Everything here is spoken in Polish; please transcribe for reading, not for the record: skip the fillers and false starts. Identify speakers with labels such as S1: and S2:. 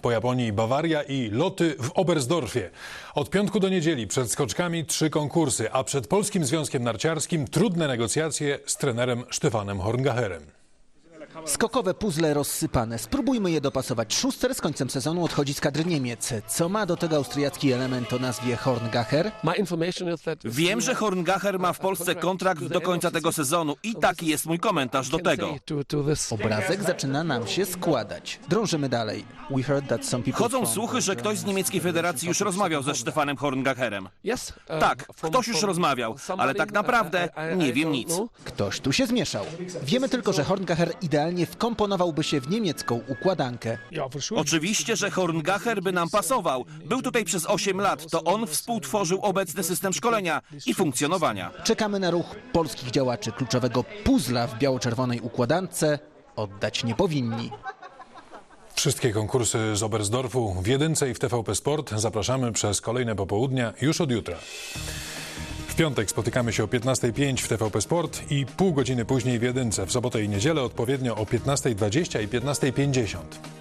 S1: po Japonii Bawaria i loty w Oberstdorfie. Od piątku do niedzieli przed skoczkami 3 konkursy, a przed Polskim Związkiem Narciarskim trudne negocjacje z trenerem Stefanem Horngacherem.
S2: Skokowe puzzle rozsypane. Spróbujmy je dopasować. Schuster z końcem sezonu odchodzi z kadry Niemiec. Co ma do tego austriacki element o nazwie Horngacher?
S3: Wiem, że Horngacher ma w Polsce kontrakt do końca tego sezonu i taki jest mój komentarz do tego.
S2: Obrazek zaczyna nam się składać. Drążymy dalej. We heard that some people
S3: Chodzą słuchy, że ktoś z niemieckiej federacji już rozmawiał ze Stefanem Horngacherem. Tak, ktoś już rozmawiał, ale tak naprawdę nie wiem nic.
S2: Ktoś tu się zmieszał. Wiemy tylko, że Horngacher idealnie wkomponowałby się w niemiecką układankę.
S3: Oczywiście, że Horngacher by nam pasował. Był tutaj przez 8 lat. To on współtworzył obecny system szkolenia i funkcjonowania.
S2: Czekamy na ruch polskich działaczy. Kluczowego puzzla w biało-czerwonej układance oddać nie powinni.
S1: Wszystkie konkursy z Oberstdorfu w Jedynce i w TVP Sport zapraszamy przez kolejne popołudnia już od jutra. W piątek spotykamy się o 15:05 w TVP Sport i pół godziny później w Jedynce. W sobotę i niedzielę odpowiednio o 15:20 i 15:50.